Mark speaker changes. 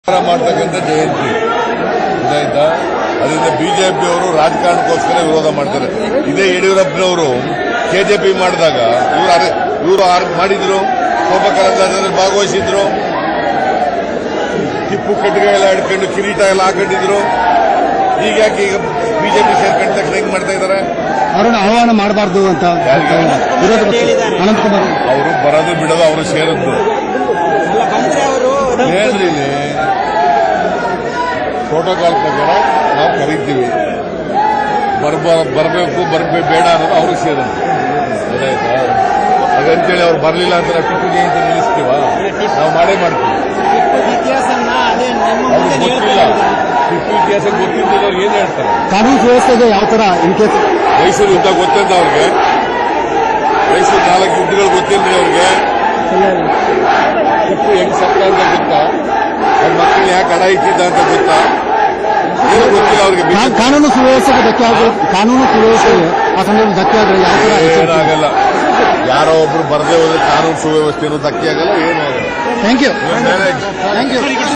Speaker 1: ಮಾಡ್ತಕ್ಕಂಥ ಜಯಂತಿ ಗೊತ್ತಾಯ್ತಾ. ಅದರಿಂದ ಬಿಜೆಪಿಯವರು ರಾಜಕಾರಣಕ್ಕೋಸ್ಕರ ವಿರೋಧ ಮಾಡ್ತಾರೆ. ಇದೇ ಯಡಿಯೂರಪ್ಪನವರು ಕೆಜೆಪಿ ಮಾಡಿದಾಗ ಇವರು ಮಾಡಿದ್ರು, ಕೋಪ ಕರಂದ್ಲಾಜೆಯಲ್ಲಿ ಭಾಗವಹಿಸಿದ್ರು, ಟಿಪ್ಪು ಕಟ್ಟಿಗೆ ಎಲ್ಲ ಹಿಡ್ಕೊಂಡು ಕಿರೀಟ ಎಲ್ಲ ಹಾಕೊಂಡಿದ್ರು. ಹೀಗಾಗಿ ಈಗ ಬಿಜೆಪಿ ಸೇರ್ಕೊಂಡ ತಕ್ಷಣ ಹೆಂಗ್ ಮಾಡ್ತಾ ಇದ್ದಾರೆ?
Speaker 2: ಅವರನ್ನು ಆಹ್ವಾನ ಮಾಡಬಾರ್ದು ಅಂತ ಅನಂತಕುಮಾರ್
Speaker 1: ಅವರು ಬರೋದು ಬಿಡೋದು ಅವರು ಸೇರಿದ್ದು ಹೇಳ್ರಿ. ಇಲ್ಲಿ ಪ್ರೋಟೋಕಾಲ್ ಪ್ರಕಾರ ನಾವು ಕರೀತೀವಿ, ಬರಬೇಕು ಬೇಡ ಅನ್ನೋದು ಅವ್ರಿಗೆ ಸೇರೋದು ಗೊತ್ತಾಯ್ತಾ. ಹಾಗಂತೇಳಿ ಅವ್ರು ಬರಲಿಲ್ಲ ಅಂತ ನಾವು ಟಿಪ್ಪು ಜಯಂತಿ ನಿಲ್ಲಿಸ್ತೀವ? ನಾವು ಮಾಡೇ ಮಾಡ್ತೀವಿ. ಅವ್ರಿಗೆ ಗೊತ್ತಿಲ್ಲ, ಟಿಪ್ಪು ಇತಿಹಾಸ ಗೊತ್ತಿದ್ದವ್ರು ಏನ್ ಹೇಳ್ತಾರೆ?
Speaker 2: ಕಾನೂನು ವ್ಯವಸ್ಥೆಗೆ ಯಾವ ತರ ಇನ್ಕೇಸ್
Speaker 1: ಮೈಸೂರು ಯುದ್ಧ ಗೊತ್ತಿಲ್ಲ ಅವ್ರಿಗೆ, ಮೈಸೂರು 4 ಯುದ್ಧಗಳು ಗೊತ್ತಿಲ್ರಿ ಅವ್ರಿಗೆ. ಟಿಪ್ಪು ಹೆಂಗ್ ಸತ್ತ ಅಂತ ಗೊತ್ತಾ? ಅವ್ರ ಮಕ್ಕಳು ಯಾಕೆ ಅಡ ಇಟ್ಟಿದ್ದ ಅಂತ ಗೊತ್ತಾ? ಏನು ಗೊತ್ತಿಲ್ಲ ಅವ್ರಿಗೆ.
Speaker 2: ಕಾನೂನು ಸುವ್ಯವಸ್ಥೆಗೆ ಧಕ್ಕೆ ಆಗೋದು, ಕಾನೂನು ಸುವ್ಯವಸ್ಥೆಗೆ ಆ ಸಂದರ್ಭದಲ್ಲಿ ಧಕ್ಕೆ ಆದ್ರೆ ಯಾವ ತರ?
Speaker 1: ಏನಾಗಲ್ಲ, ಯಾರೋ ಒಬ್ರು ಬರದೇ ಹೋದ್ರೆ ಕಾನೂನು ಸುವ್ಯವಸ್ಥೆನೂ ಧಕ್ಕೆ ಆಗಲ್ಲ, ಏನೂ ಆಗಲ್ಲ.
Speaker 2: Thank you.